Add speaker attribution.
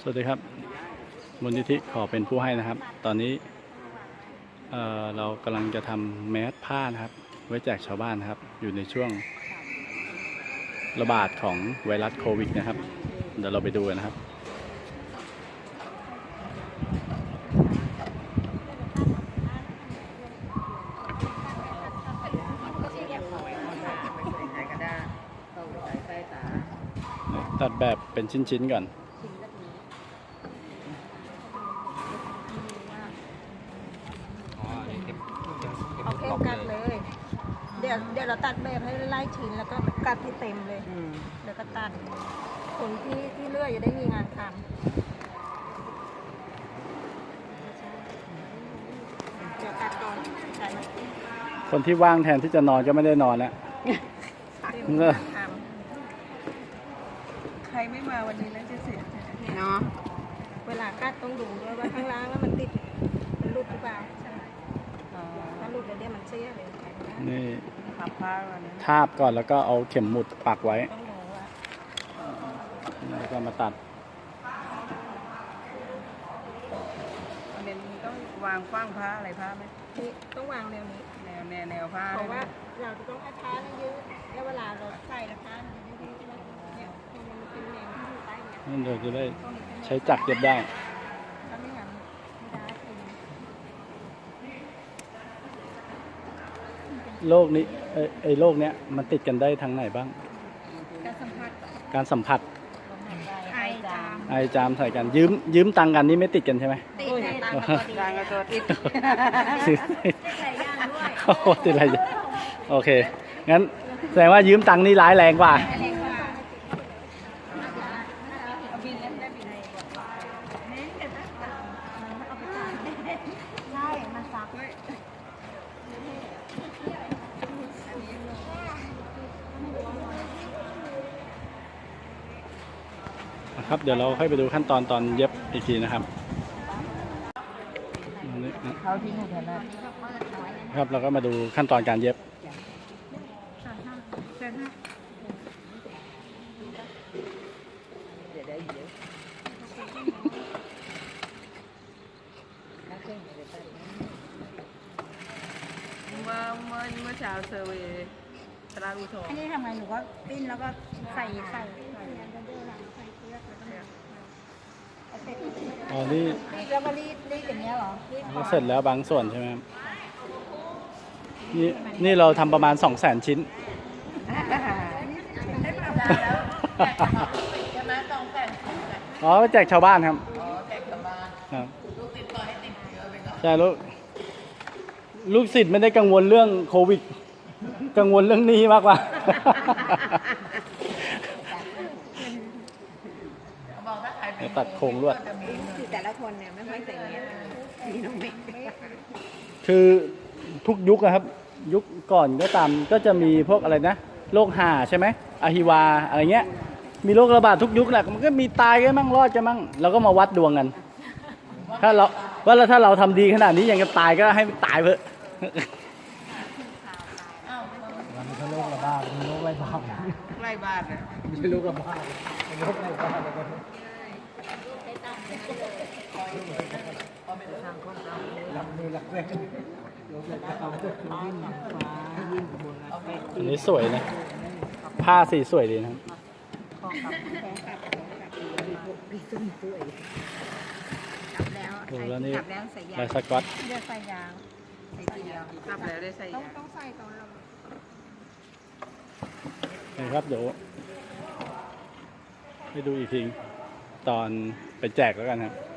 Speaker 1: สวัสดีครับมูลนิธิขอเป็นผู้ให้นะครับตอนนี้เรากำลังจะทำแมสผ้านะครับไว้แจกชาวบ้านนะครับอยู่ในช่วงระบาดของไวรัสโควิดนะครับเดี๋ยวเราไปดูกันนะครับตัดแบบเป็นชิ้นๆก่อน
Speaker 2: เอาเข้มกัดเลย เดี๋ยวเราตัดแบบให้ไล่ชิ้นแล้วก็กัดให้เต็มเลยเดี๋ยวก็ตัดคนที่เลื่อยจะได้มีงานทำเดี๋ยวตัดก่อนใช่ไหม
Speaker 1: คนที่ว่างแทนที่จะนอนก็ไม่ได้นอนแล้ว
Speaker 2: ใครไม่มาวันนี้แล้วจะเสียเนาะเวลากัดต้องดูด้วยว่าข้างล่างแล้วมันติดมันหลุดหรือเปล่าถ้าหลุดแล้วเดี๋ยวมันเสียเลย
Speaker 1: นี่ทาบก่อนแล้วก็เอาเข็มหมุดปักไว้แล้วก็มาตัด
Speaker 3: เน้นต้องวางขว้างผ้าอะไรผ้าไหม
Speaker 2: ต้องวางแนวนี้
Speaker 3: แนวผ้า
Speaker 2: เพราะว่าเราจะต้องให้ผ้ายืดแล้วเวลาเราใส่แล้วผ้ามันจะยืดเนี่ยมันเป็นแนวที่อยู่ใต้เนี่ย
Speaker 1: นั่นเดี๋ยวจะได้ใช้จักรเย็บได้
Speaker 2: ถ้าไม่งั้นไม่ได้
Speaker 1: โรคนี้ไอ้โรคเนี้ยมันติดกันได้ทางไหนบ้างการสัมผัสไอจามใส่กันยืมตังกันนี่ไม่ติดกันใช่ไหม
Speaker 2: ติดตัง
Speaker 3: กับตัวติด
Speaker 2: หลายอย่างด้วย
Speaker 1: โอ้ติดอะไรโอเคงั้นแสดงว่ายืมตังนี่ร้ายแรงกว่าครับเดี๋ยวเราค่อยไปดูขั้นตอนเย็บอีกทีนะครับครับเราก็มาดูขั้นตอนการเย็บ
Speaker 3: เมื่อเช้าเซอร์เวย์ตราวิโท
Speaker 2: อันนี้ทำไงหนูก็ปิ้นแล้วก็ใส่
Speaker 1: อ๋อนี่
Speaker 2: แล้วก็รีดอย่างเงี้ยเหรอ
Speaker 1: เสร็จแล้วบางส่วนใช่ไหมครับนี่เราทำประมาณ 200,000 ชิ้นอ๋อแจกชาวบ้านครับครับใช่ลูกศิษย์ไม่ได้กังวลเรื่องโควิดกังวลเรื่องนี้มากกว่าตัดโครงลวด
Speaker 2: แต่ละคนเนี่ยไม่ค่อยใส่เงี้ยมีน้องเมฆ
Speaker 1: คือทุกยุคนะครับ ยุคก่อนก็ตามก็จะมีพวกอะไรนะโรคห่าใช่ไหมอะฮิวาอะไรเงี้ยมีโรคระบาดทุกยุคแหละมันก็มีตายกันมั่งรอดกันมั่งเราก็มาวัดดวงกันถ้าเราทำดีขนาดนี้ยังจะตายก็ให้ตายเถอะ
Speaker 4: มันไม่ใช่โรคระบาดมันโรคไร้บ้าน
Speaker 3: ไล่บาดเลย
Speaker 4: ไม่ใช่โรคระบาดเป็นโรคไร้บ้าน
Speaker 1: อันนี้สวยนะผ้าสีสวยดีนะครับแล้วนี่ลายสก๊อต
Speaker 2: เดี๋ยวใส่ยางใส่เดียว
Speaker 3: กลับแล้วได้ใส่
Speaker 2: ต้องใส่ตอนเรา
Speaker 1: นี่ครับเดี๋ยวให้ดูอีกทีตอนไปแจกแล้วกันครับ